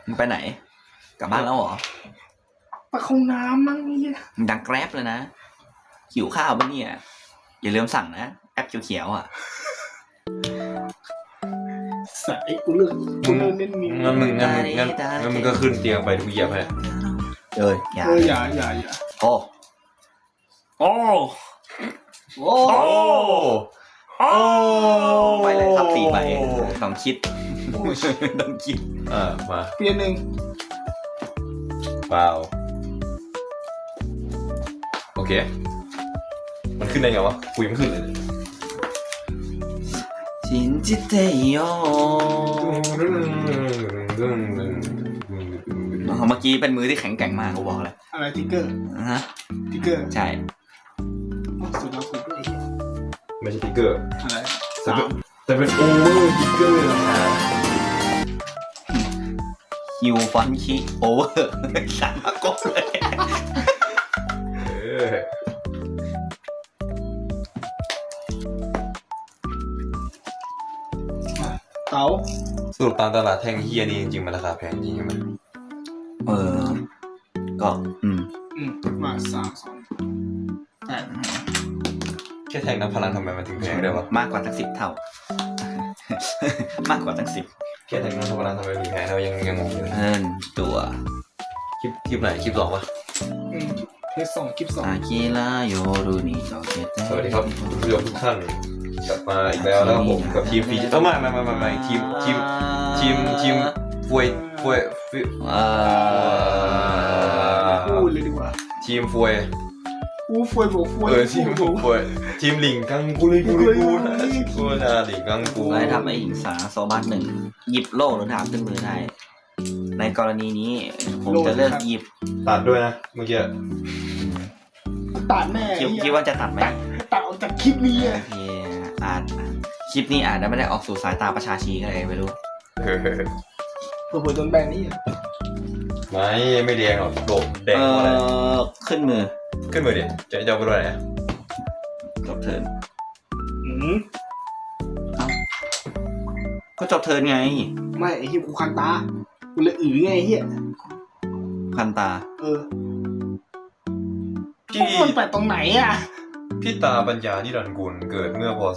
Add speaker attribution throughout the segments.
Speaker 1: มึงไปไหนกลับบ้านแล้วเหรอ
Speaker 2: ไปเข้าน้ำมั้งเนี่ย
Speaker 1: ดังแกร็บเลยนะหิวข้าวปะเนี่ยอย่าลืมสั่งนะแอปเขียวๆอ่ะ
Speaker 2: ใส่กูเลือกเน้นมี
Speaker 3: งั้นมึงก็ขึ้นเตียงไปทุกเหยียบให้
Speaker 1: อย่า
Speaker 2: อย่า
Speaker 1: โอ้โอ้โอ้
Speaker 3: โอ้
Speaker 1: ไปเลยครับตีไปต้องคิด ต้องคิด
Speaker 3: มา
Speaker 2: เปลี่ยนหนึ่ง
Speaker 3: เปล่าโอเคมันขึ้นได้ไงวะคุยไม่ขึ้นเลย
Speaker 1: ชินจิเตโยเมื่อกี้เป็นมือที่แข็งแกร่งมากกูบอกเลย
Speaker 2: อะไรทิกเกอร์
Speaker 1: ฮะ
Speaker 2: ทิกเกอร์
Speaker 1: ใช่
Speaker 2: สุดยอดสุดเลย
Speaker 3: ไม่ใช่ติ๊กเกอร์
Speaker 2: อะไร
Speaker 3: แต่เป็นโอเวอร์ติ๊กเกอร์นะ
Speaker 1: ฮิวฟอนคิโอเวอร์สามก๊กเลย
Speaker 2: เต๋า
Speaker 3: สรุปตามตลาดแท่งเฮียนี่จริงๆมันราคาแพงจริงใช่ไหม
Speaker 1: ก็
Speaker 2: มา3 2 แต่
Speaker 3: แค่แท่งน้ำพลังทำไมมันถึงแพงได้วะ
Speaker 1: มากกว่าตั้ง10 เท่า มากกว่าตั้ง10
Speaker 3: แค่แท่งน้ำพลังทำไมถึงแพงเรายังงงอยู่
Speaker 1: ตัว
Speaker 3: คลิปไหนคลิป 2วะ
Speaker 2: เทส2คลิป
Speaker 1: อากิระโยรุนิโตเกเต
Speaker 3: สวัสดีครับคุณผู้ชมทุกท่านกลับมาอีกแล้วแล้วผมกับทีมฟีไม่ทีมฟวย
Speaker 2: พูดเลยดีกว่า
Speaker 3: ทีมฟวย
Speaker 2: ฟวยบอกฟวย
Speaker 3: ทีมฟวยทีมหลิงกังกูเลยกูนะหลิงกังกู
Speaker 1: ไล่ทำไอ้หญิงสาโซบัส1หยิบโล่หรือดาบขึ้นมือได้ ในกรณีนี้ผมจะเลือกหยิบ
Speaker 3: ตัดด้วยนะเมื่อกี้
Speaker 2: ตัดแม่
Speaker 1: คิดว่าจะตัดไหม
Speaker 2: ตัดออกจากคลิปนี้
Speaker 1: โอเคคลิปนี้อาจจะไม่ได้ออกสู่สายตาประชาชีก็เลยไม่รู้
Speaker 2: เผื่อโดนแบ่งนี่
Speaker 3: ไม่แดงหรอกโดดแดงอะไร
Speaker 1: ขึ้นมือ
Speaker 3: ขึ้นมือดิจะเอาไปด้วยไหน
Speaker 1: จบเทิร์นก็จบเทิร์นไง
Speaker 2: ไม่ไอ้ที่กูคันตากูเลยไงไอ้เหี้ย
Speaker 1: คันตา
Speaker 2: มันแปลกตรงไหนอ่ะ
Speaker 3: พี่ตาปัญญานิรันดร์กุลเกิดเมื่อพศ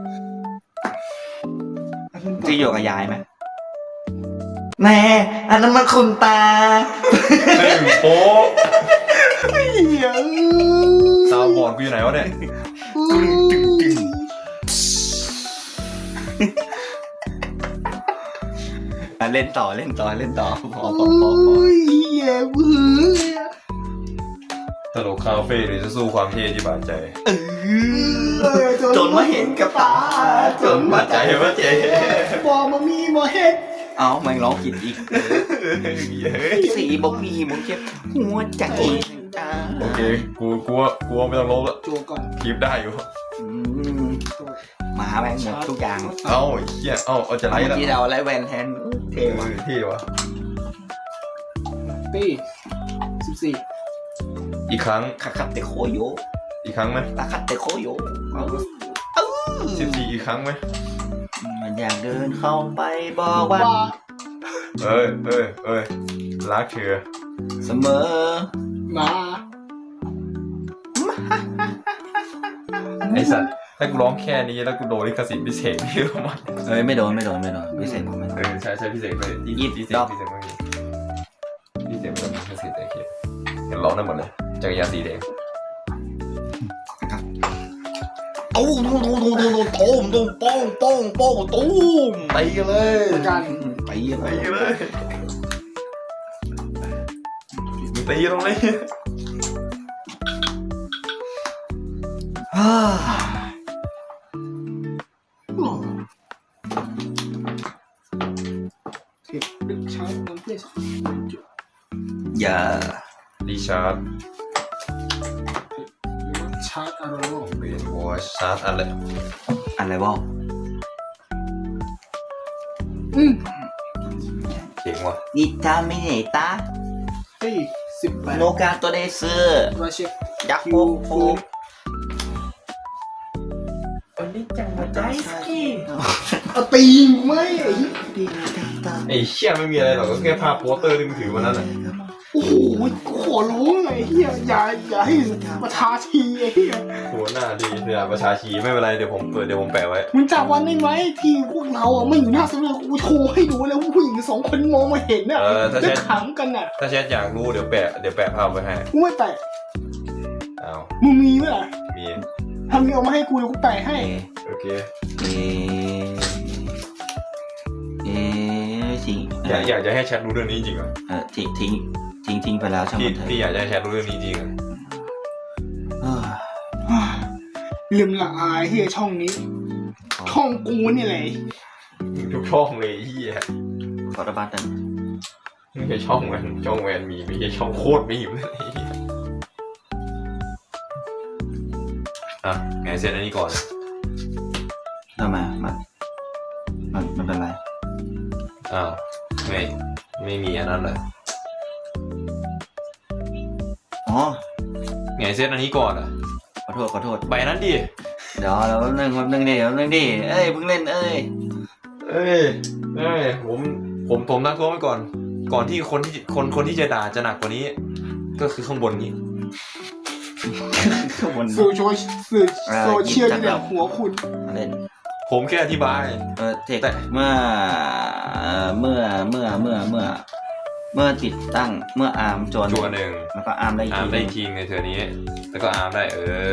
Speaker 1: ที่อยู่กับยายไหมแน่อันนั้นมันคุณตา
Speaker 3: โอ้
Speaker 2: เหี้ย
Speaker 3: ตาบอดกูอยู่ไหนวะเนี่ย
Speaker 1: เล่นต่อพอ
Speaker 2: เหี้ยเบื่อ
Speaker 3: ตลกคาเฟ่หรือจะสู้ความเท่ที่บาดใจ
Speaker 1: จนมาเห็นกับตาจนมาใจว่าเจ๊
Speaker 2: บอกมามีบ่เฮ็ด
Speaker 1: เอามันร้องผิดอีกสีบอกมีมึงเจ็บหัวใจจ้า
Speaker 3: โอเคกูไม่ต้องลบละ
Speaker 2: จัวก่อน
Speaker 3: คลิปได้อยู่
Speaker 1: หมาแม่งหมดทุกอย่าง
Speaker 3: เอ้าเฮียเอาจะไล่ละ
Speaker 1: ที่เราไล่แวนแทนเท่ว่ะ
Speaker 3: เท่วะ
Speaker 2: ตี14
Speaker 3: อีกครั้ง
Speaker 1: คัดเตโคโย
Speaker 3: อีกครั้งไหม
Speaker 1: ตาคัดเตโคโย
Speaker 3: 14อีกครั้งไหม
Speaker 1: มันอยากเดินเข้าไปบอกว่า
Speaker 3: เอ้ยรักเธอ
Speaker 1: เสมอ
Speaker 2: มา
Speaker 3: ไอสัตว์ถ้ากูร้องแค่นี้แล้วกูโดนลิขสิทธิ์พิเศษพี่รู้มั้ย
Speaker 1: ไม่โดนพิเศษผมไม่โดน
Speaker 3: ใช่พิเศษเลยพิเศษเมื่อกี้พิเศษแบบพิเศษแต่เขียนเห็นร้องได้หมดเลยจักรยานสีแดง
Speaker 1: ตูมตีกันเลย
Speaker 2: กัน
Speaker 1: ตีเลย
Speaker 3: มึงตีตรงนี้
Speaker 2: เก็บดึกชาร์จน้ำเพื่อ
Speaker 1: อย่า
Speaker 3: รีชาร์จ
Speaker 2: ชาร์จอารมณ์
Speaker 3: เบนวอชชาร์จอะไร
Speaker 1: อะไรวะ
Speaker 3: เจ๋งว่ะ
Speaker 1: อิตามิเนตา
Speaker 2: ตี18
Speaker 1: โนกาโตเดซึ
Speaker 2: ราเช็ค
Speaker 1: ยักษ์โฟ
Speaker 2: วันนี้จังมาได้สกีเอาตีกูไหมไอ้เหี้ย
Speaker 3: ไอ้เชี่ยไม่มีอะไรหรอกก็แค่ภาพโปสเตอร์ที่มึงถือวันนั้นแหละ
Speaker 2: โอ้โหกูขอร้องไอ้เหี้ยอย่าให้มาทาทีไอ้เหี้ย
Speaker 3: หัวหน้าดีเนี่ยประชาชีไม่เป็นไรเดี๋ยวผมแปะไว้
Speaker 2: มึงจับวันได้ไหมที่พวกเราอ่ะไม่อยู่หน้าเสนอกูโชว์ให้ดูแล้วผู้หญิง2 คนมองมาเห็นน่ะ
Speaker 3: ถ้า
Speaker 2: จะ
Speaker 3: แชท
Speaker 2: ขำกันน่ะ
Speaker 3: ถ้าแชทอยากรู้เดี๋ยวแปะภาพไว้ให้
Speaker 2: กูไม่แปะ
Speaker 3: อ้าว
Speaker 2: มึงมีไหมล่ะ
Speaker 3: มี
Speaker 2: ทำมึงเอามาให้กูเดี๋ยวกูแปะให้
Speaker 3: โอเค
Speaker 1: ทิ้ง
Speaker 3: อยากจะให้แชทรู้เรื่องนี้จริงเหรอ
Speaker 1: ทิ้งไปแล้วช่างมันเถอะ
Speaker 3: พี่อยากจะให้แชทรู้เรื่องนี้จริงเหรอ
Speaker 2: เรื่องละอายเฮียช่องนี้ ช่องกูนี่แหละ
Speaker 3: ทุกช่องเลยเฮีย
Speaker 1: ขอระบาดหนึ่ง
Speaker 3: ไม่ใช่ช่องแวนมีไม่ใช่ช่องโคตรมีเลยอ่ะไงเซตอันนี้ก่อน
Speaker 1: ทำไมมันเป็นไร
Speaker 3: อ้าวไม่มีอันนั้นเลย
Speaker 1: อ๋อ
Speaker 3: ไงเซตอันนี้ก่อนอ่ะ
Speaker 1: ขอโทษ
Speaker 3: ใบนั้นดิ
Speaker 1: เดี๋ยวแป๊บนึงดิเอ้ยเพิ่งเล่นเอ้ย
Speaker 3: ผมตั้งตัวไว้ก่อนที่คนที่จะด่าจะหนักกว่านี้ ก็คือข้างบนนี้
Speaker 1: ข้างบน
Speaker 2: สื่อโซเชียลนี่แหละหัวคุณ
Speaker 1: เล่น
Speaker 3: ผมแค่อธิบาย
Speaker 1: เทคเมื่อติดตั้งเมื่ออาร์มจวน
Speaker 3: จัวหนึ่ง
Speaker 1: แล้วก็อาร์มได้อีก
Speaker 3: อาร์ม
Speaker 1: ที
Speaker 3: ได้ทีในเธอนี้ แล้วก็อาร์มได้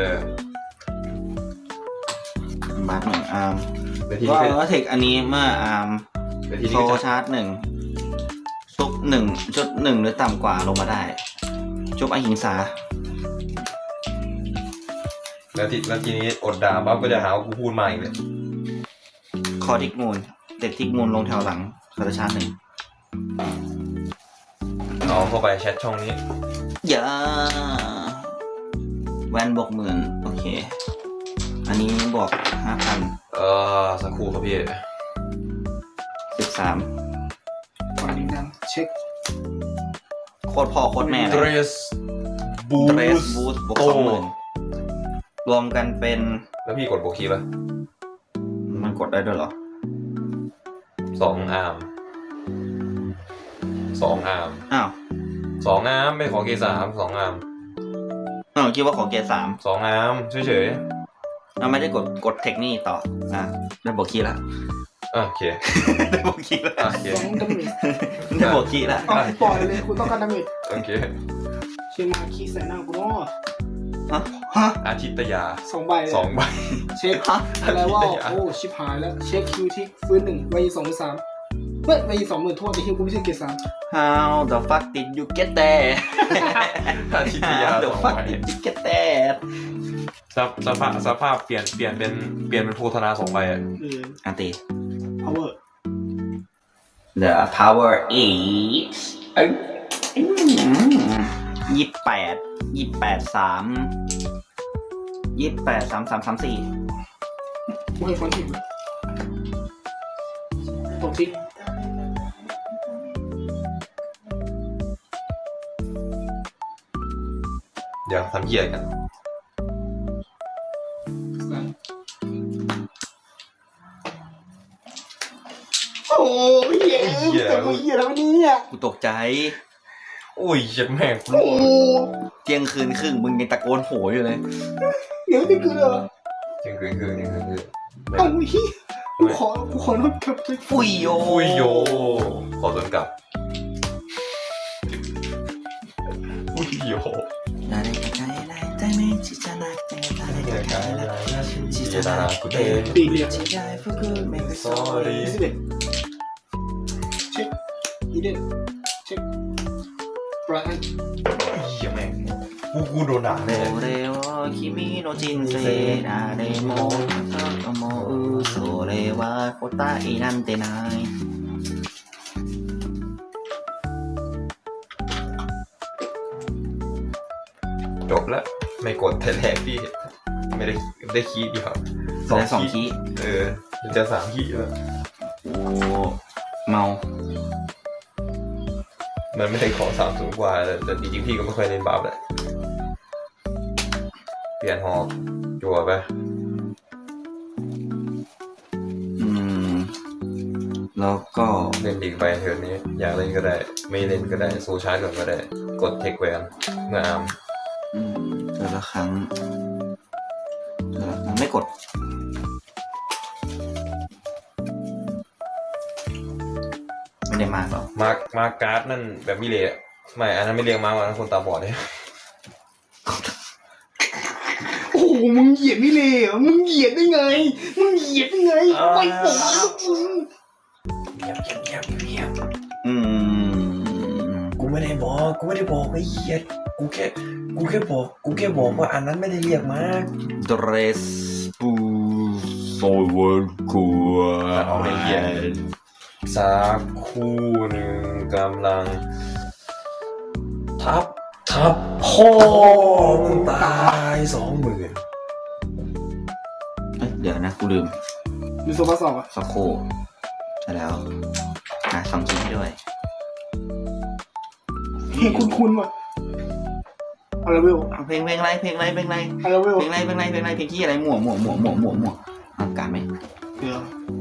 Speaker 1: มาร์กหนึ่งอาร์ม
Speaker 3: ไปที
Speaker 1: ก็
Speaker 3: นี้
Speaker 1: เทคอันนี้เมื่ออาร์ม
Speaker 3: ไปที
Speaker 1: โซ
Speaker 3: นี้ก็
Speaker 1: ชาร์จชุบ1หรือต่ำกว่าลงมาได้ชุบอหิงสา
Speaker 3: แล้วทีนี้อดด่าปั๊บก็จะหาว่ากูพูดมาอีกเลย
Speaker 1: คอทิกมูลเด็กทิกมูลลงแถวหลังโซชาร์จ1
Speaker 3: เอาเข้าไปแชทช่องนี้
Speaker 1: อย่าแวนบวก10,000โอเคอันนี้บวก 5,000
Speaker 3: สักครู่ครับพี่
Speaker 1: 13
Speaker 2: ก่อนนี้นะเช็ค
Speaker 1: โคตรพ่อโคตรแม่เล
Speaker 3: เดร
Speaker 1: ย
Speaker 3: สบู
Speaker 1: เดรส
Speaker 3: ส
Speaker 1: บูสบวก
Speaker 3: โต
Speaker 1: 20,000รวมกันเป็น
Speaker 3: แล้วพี่กดโบคีป่ะ
Speaker 1: มันกดได้ด้วยเหรอ
Speaker 3: 2 อาร์ม
Speaker 1: อ้าว
Speaker 3: 2 อาร์มไม่ขอเกสาม2 อาร์ม
Speaker 1: คิดว่าของเกรด3
Speaker 3: 2 อาร์มเฉย
Speaker 1: เราไม่ได้กดเทคนี่ต่อได้บวกคีย์ละ
Speaker 3: ๆโอเค
Speaker 1: ได้บวกคีย์ละ
Speaker 3: โอเค
Speaker 2: 2 ดาเมจ
Speaker 1: ได้บวกคีย์ละ
Speaker 2: เอาปล่อยเลยคุณต้องการดาเมจ
Speaker 3: โอเค
Speaker 2: เชียงมาคีใส่หน้ากูเนาะ
Speaker 1: ฮะ
Speaker 3: อาทิตยา
Speaker 2: 2 ใบเลย
Speaker 3: 2 ใบ
Speaker 2: เช็คอะไรว่าโอ้ชิบหายแล้วเช็คคิวที่ฟื้น1ใบ2 3เฮ้ยใบ20,000โทษแต่ฮิวกูไม่ใช่เกรด3
Speaker 1: How the fuck did you get there
Speaker 3: อาทิตยา
Speaker 1: How the
Speaker 3: 2
Speaker 1: fuck
Speaker 3: ใบ
Speaker 1: did you get there
Speaker 3: สภาพเปลี่ยนเป็นโพธนา2 ใบอ่ะ
Speaker 1: อันตี
Speaker 2: power
Speaker 1: The power is 28
Speaker 2: กูให้ฟอนต์ทิ้งตกทิ้ง
Speaker 3: เดี๋ยวทำเหี้ยกัน
Speaker 2: โอ้ยเหี้ยแต่กูเหี้ยแล้วเนี่ย
Speaker 1: กูตกใจ
Speaker 3: โอ้ยเจ็บแม่ง
Speaker 2: โอ้
Speaker 1: เที่ยงคืนครึ่งมึงยังตะโกนโหอยู่เลย
Speaker 2: เดี๋ยวนี่คือเหรอ
Speaker 3: เที่ยงคืน
Speaker 2: เอ้าเหี้ยกูขอโทษครับ
Speaker 1: ฟุยโย
Speaker 3: คุยโยขอสวนกลับคุยโย
Speaker 1: 誰か変えないためちじゃなくて誰か変えないちじゃなくて
Speaker 2: ปีเดียว
Speaker 1: 違い含めて
Speaker 3: sorry
Speaker 2: 21เช็คอีเดนเช็คบราอัน
Speaker 3: เหี้ยแม่งกูโดนด่าแน่
Speaker 1: これを君の人生誰も思うそれは答えなんてない
Speaker 3: จบแล้วไม่กดแต่แรกพี่ไม่ได้คีย์ดีครับ
Speaker 1: ได้สองคีย์
Speaker 3: มันจะ3 คีย์แล้ว
Speaker 1: โอ้เมา
Speaker 3: มันไม่ได้ขอ3 สูงกว่าแต่จริงๆพี่ก็ไม่ค่อยเล่นบาปแหละเปลี่ยนหอกจั่วไป
Speaker 1: แล้วก็
Speaker 3: เล่นอีกใบเทิร์นนี้ อยากเล่นก็ได้ ไม่เล่นก็ได้โซชาร์จก่อนก็ได้ กดเทคแวนเมื่ออาร์ม
Speaker 1: เธอละครั้งไม่กดไม่ได้มากหรอก
Speaker 3: มาการ์ดนั่นแบบมิเละไม่อันนั้นไม่เรียกมาวันนั้นคนตาบอดเลย
Speaker 2: โอ้โหมึงเหยียดไม่เลยเหรอมึงเหยียดได้ไงมึงเหยียดได้ไงไม่บอกนะมึง
Speaker 3: เงียบ
Speaker 1: อืม
Speaker 3: กูไม่ได้บอกไอ้เหี้ยกูแค่บอกว่าอันนั้นไม่ได้เรียกมา
Speaker 1: ดเรสปูโซเวอร์กัว
Speaker 3: เอาไปเหี้ยสักคู่หนึ่งกำลังทับพ่อมึงตาย20,000
Speaker 1: เดี๋ยวนะกูลืม
Speaker 2: มีโซฟาสองอ่ะ
Speaker 1: สักครู่ใช่แล้วสองชิ้นด้วย
Speaker 2: เฮ้ยคุ้นๆว่ะอะไรเวล
Speaker 1: เพลงอะไรเพลงอะไร
Speaker 2: อะไรเวล
Speaker 1: เพลงที่อะไรมั่วการไหม
Speaker 2: เดี๋ยว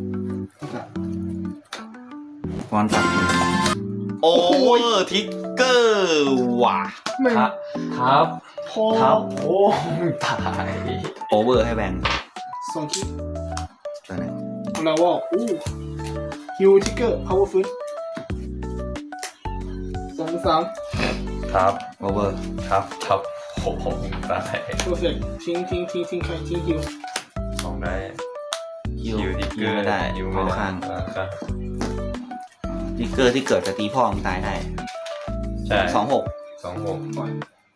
Speaker 1: ฟอนตัดโอเวอร์ทิกเกอร์ว่ะ
Speaker 2: ไม่
Speaker 3: ทับ
Speaker 2: พอ
Speaker 3: โอ้มึงตาย
Speaker 1: โอเวอร์ให้แบงค์
Speaker 2: สองคิด
Speaker 1: ตัวไหน
Speaker 2: อะไรวะอู้ฮิวทิกเกอร์พาวเวอร์ฟื้น2 3
Speaker 3: ทับ
Speaker 1: โอเวอร์
Speaker 3: โอ้โหมึงตาย
Speaker 2: เพอร์เฟกต์ทิ้งใครทิ้งฮิว
Speaker 3: สองได้
Speaker 1: ฮิว
Speaker 3: ทิกเก
Speaker 1: ฮิ
Speaker 3: อ
Speaker 1: ว
Speaker 3: ร์
Speaker 1: ไม่ได้
Speaker 3: ฮิว
Speaker 1: เพ
Speaker 3: ไม่
Speaker 1: ราะ
Speaker 3: ได้
Speaker 1: ข้าง
Speaker 3: ข้าง
Speaker 1: ทิกเกอร์ที่เกิดกับตีพ่อมึงตายได้
Speaker 3: ใช่
Speaker 1: 26
Speaker 3: 26
Speaker 2: ปล่อย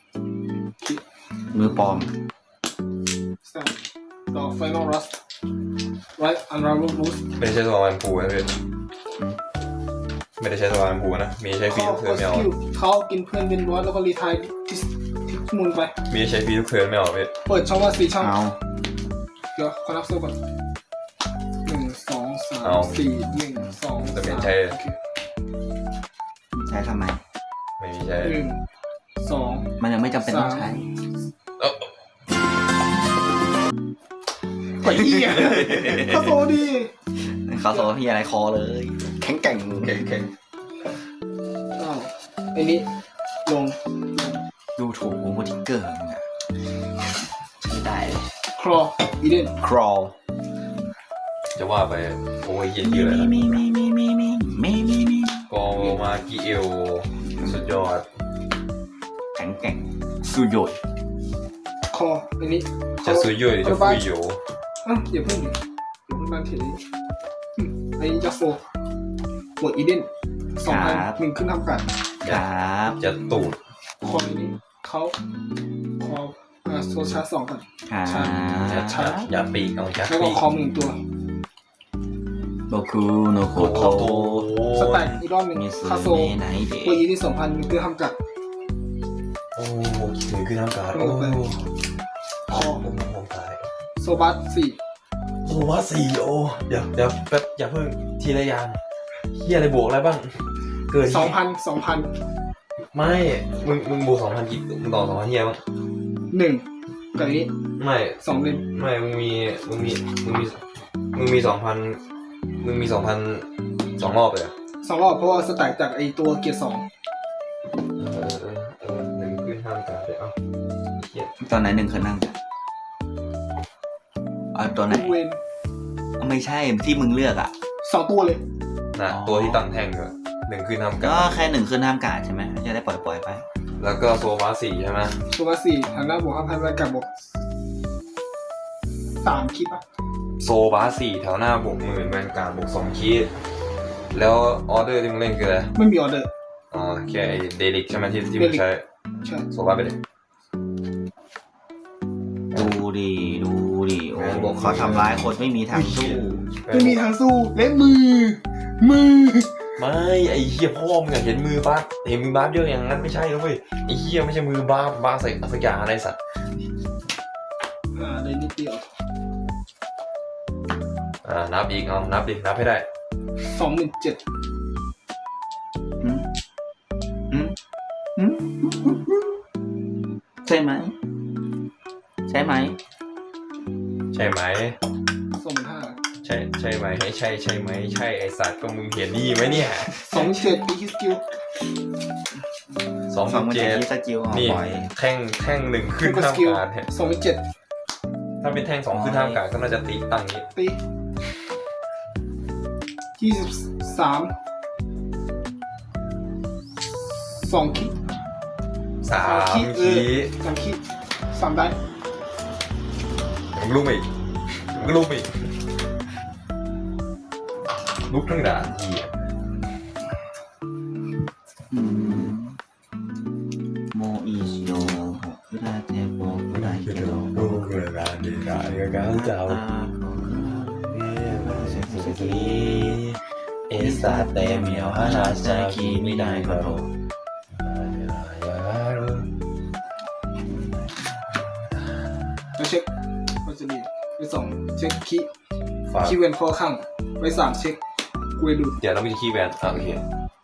Speaker 1: มือปลอม
Speaker 2: สแตนต่อ Final Rust Right Unravel Boost
Speaker 3: ไม่ได้ใช้ตัวมันผูนะพี่ไม่ได้ใช้ตัวมันผูนะมีใช้ฟรีทุกเทิร์นไม่เอา
Speaker 2: เขากินเพื่อนเป็นบอสแล้วก็รีไทายทิกมูลไป
Speaker 3: มีใช้ฟรีทุกเทิร์นไม่เอาพี่
Speaker 2: เปิดช่องว่า4ช่อง
Speaker 1: เอา
Speaker 2: เดี๋ยวขอนับโซ่ก่อน1 2 3 4 1 2
Speaker 3: แต่ไม่
Speaker 2: 3
Speaker 3: ใช้
Speaker 2: โอเค
Speaker 1: ใช้ทำไม
Speaker 3: ไม่มีใช้
Speaker 2: 1 2
Speaker 1: มันยังไม่จำเป็นต้องใช้
Speaker 2: ไปเหี้ยก็โซดี
Speaker 1: เขาโซพี่อะไรคอเลย แข็งแกร่ง
Speaker 2: อ้าวไอ้นี้ลง
Speaker 1: ดูถูกโอเวอร์ทิกเกอร์มึงอะใช้ได้เลย
Speaker 2: ครออีเดน
Speaker 1: ครอล
Speaker 3: จะว่าไปโอ้ยเหี้ยเยอะเลยนะ
Speaker 1: มี
Speaker 3: ก็มากิเอลสุดยอด
Speaker 1: แข็งแกร่งสุดยอด
Speaker 2: คออันนี้
Speaker 3: จะซุยยุยจะฟุยโย
Speaker 2: อย่าเพิ่งนั่นเทนี้อันนี้จะโฟบวกอีเดน2,000 1ขึ้นทำกัน
Speaker 1: ครับ
Speaker 3: จะตูด
Speaker 2: คอนี้เขาคอโซชาร์จ2ก่อน
Speaker 1: ครับ
Speaker 3: อย่าปีกเอาจัก
Speaker 2: แล้วก็
Speaker 3: ปีก
Speaker 2: คอม1ตัว
Speaker 1: โบคุโนโคโต
Speaker 2: สแต็กอีกรอบหนึ่ง
Speaker 1: มิสึ
Speaker 2: คาโซ
Speaker 1: เมะไนเด
Speaker 2: บวกอีเดน2,000 1ขึ้นทำกัน
Speaker 3: โอ้ถึงคือทำการโอ้
Speaker 2: คอ
Speaker 3: ผมตาย
Speaker 2: โซบัส4
Speaker 3: โอ้ว่า4โอ้เดี๋ยวแป๊บอย่าเพิ่งทีละอย่างเฮียอะไรบวกอะไรบ้างเกิด
Speaker 2: 2,000
Speaker 3: ไม่มึงบวก2,000กี่มึงต่อ2,000เฮียบ้าง
Speaker 2: 1กับนี้
Speaker 3: ไม่
Speaker 2: 2เล่ม
Speaker 3: ไม่มึงมี2,000 2รอบเลย
Speaker 2: 2รอบเพราะว่าสแต็กจากไอตัวเกียร์2
Speaker 3: หนึ่งขึ้นห้ามการเลยเอ้าเฮีย
Speaker 1: ตอนไหนหนึ่งเคยนั่งเอาตัวไหน
Speaker 2: เวน
Speaker 1: ไม่ใช่ที่มึงเลือกอ่ะ
Speaker 2: 2ตัวเลย
Speaker 3: นะ
Speaker 1: อ๋อ
Speaker 3: ตัวที่ตั้งแท่งเลยหนึ่งขึ้นห้ามกา
Speaker 1: ก็
Speaker 3: ร
Speaker 1: แค่หนึ่งขึ้นห้ามกาดใช่ไหมจะได้ปล่อยไป
Speaker 3: แล้วก็โซฟา4ใช่ไหม
Speaker 2: โซบัส4ทางหน้าบวก 5,000แวนกับบวก3คลิปอ่ะ
Speaker 3: โซบา4แถวหน้าบวก10,000แวนการ์ดบวก2คีดแล้วออเดอร์ที่มึงเล่นคืออะไร
Speaker 2: ไม่มีออเดอร์
Speaker 3: อ๋อแค่ไอเดลิกใช่ไหมที่มึงใช้
Speaker 2: ใช่
Speaker 3: โซบาไปเลย
Speaker 1: ดูดิโอ้บอกเขาทำร้ายคนไม่มีทางสู้
Speaker 2: ไม่มีทางสู้และมือ
Speaker 3: ไม่ไอเฮียพ่อมึงอะเห็นมือบาสเห็นมือบาสเยอะอย่างนั้นไม่ใช่นะเว้ยไอเฮียไม่ใช่มือบาสใส่สักอย่างอะไรสัตว์
Speaker 2: เลยนิดเดียว
Speaker 3: นับอีกเอานับดินับให้ได้
Speaker 2: 27,000
Speaker 1: ใช่ไหม
Speaker 3: ใช่ไหม
Speaker 2: 25,000
Speaker 3: ใช่ใช่ไหมใช่ไหมใช่ไอสัตว์ก็มึงเห็นนี่ไหมเนี่ย
Speaker 2: 27ตีฮิสกิล
Speaker 3: สอง
Speaker 1: สองมันจะ
Speaker 3: เจ็ด
Speaker 1: ยิสกิล
Speaker 3: นี่
Speaker 1: ปล่อย
Speaker 3: แท่งหนึ่งขึ้น
Speaker 2: ก็
Speaker 3: ท่า
Speaker 2: ส
Speaker 3: ม
Speaker 2: กิล
Speaker 3: กลารเนี่ย
Speaker 2: 27
Speaker 3: ถ้าเป็นแท่งสองขึ้นท่ามกลารก็น่าจะตีตั้งนี้
Speaker 2: ตี23 2คิด
Speaker 3: สาม
Speaker 2: คี
Speaker 3: คี
Speaker 2: 3คิด3ได้
Speaker 3: มึงลุกอีกมึงลุกอีกลุกทั้งด่านเหี้ย
Speaker 1: โมอิชิโยคุราเทโบคุราเกโร
Speaker 3: ลุกเลยด่านดีด่านก็การเจ้าเอสาเตเมียวฮานาซาคิมิไดโกโร
Speaker 2: แล้วเช็คมันจะมีไป2เช็คคี
Speaker 3: ฝาก
Speaker 2: คีเวนคอข้างไป3เช็คกูไปดู
Speaker 3: เดี๋ยวเรามีคีย์แบนโอเค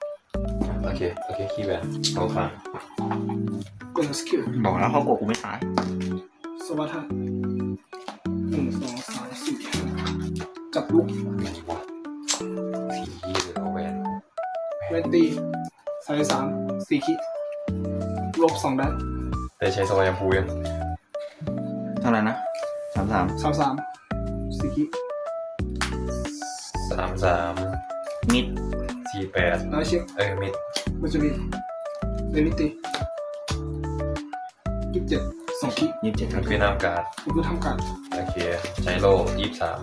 Speaker 3: คีย์แบนเข้าข้าง
Speaker 2: กดสกิล
Speaker 1: บอกแล้วเขาโกกูไม่ตาย
Speaker 2: สวัสดี1 2 3 4 5จับลูก
Speaker 3: อะไรวะสีหรือเอาแหวน
Speaker 2: เวนตี33 4คิดลบ2ได้
Speaker 3: ได้ใช้สวายมพูยัง
Speaker 1: เท่าไหร่นะ33
Speaker 2: 33 4คิด
Speaker 3: 33
Speaker 1: มิด
Speaker 3: 48
Speaker 2: แล้วเช็ค
Speaker 3: มิด
Speaker 2: มันจะมีเรนิตี27 2คิด
Speaker 1: 27ครับ
Speaker 3: เวียดนามการ์ด
Speaker 2: กูคือทำการ
Speaker 3: โอเคใช้โล่23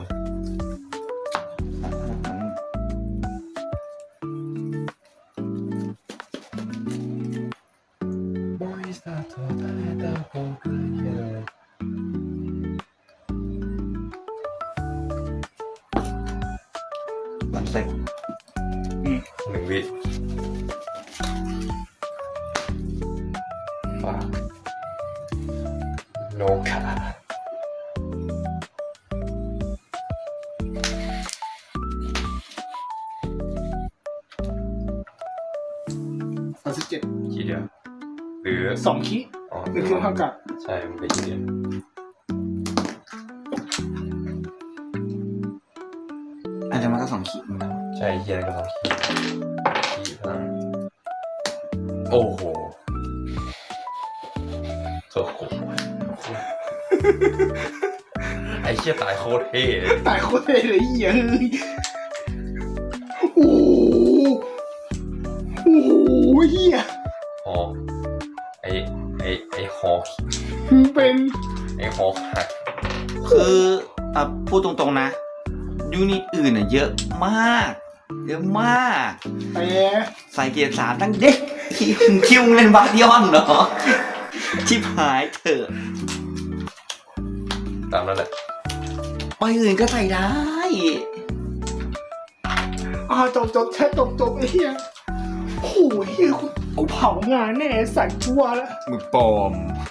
Speaker 1: วันเซ็ก
Speaker 3: 1 วิฝากโนคา
Speaker 2: 37
Speaker 3: ทีเดียวหรือ
Speaker 2: 2คิด
Speaker 3: อ๋อ
Speaker 2: นี่คือทำการ
Speaker 3: ใช่มันเป็นทีเดียว
Speaker 1: อาจจะมาก็2ขีดเหมือนกัน
Speaker 3: ใช่เฮียก็ต้องคีย์พลังโอ้โหโอ้โหไอ้เชี่ยตายโคตรเท่เลย
Speaker 2: ตายโคตรเลยเหี้ยโอ้โหเหี้ย
Speaker 3: ฮอไอ้ฮอ
Speaker 2: เป็น
Speaker 3: ไอ้ฮอหัก
Speaker 1: คือพูดตรงๆนะยูนิตอื่นน่ะเยอะมาก
Speaker 2: แต่
Speaker 1: ใส่เกียร์3ตั้งเด็กคิวเล่นบาร์ดิออนเหรอชิบหายเถอะ
Speaker 3: ตามนั้นแหละ
Speaker 1: ไปอื่นก็ใส่ได้
Speaker 2: จบแค่จบไอ้เหี้ยโอ้โหเหี้ยกูเผางานแน่สัตว์ชัวร์แล้ว
Speaker 1: มึงปลอม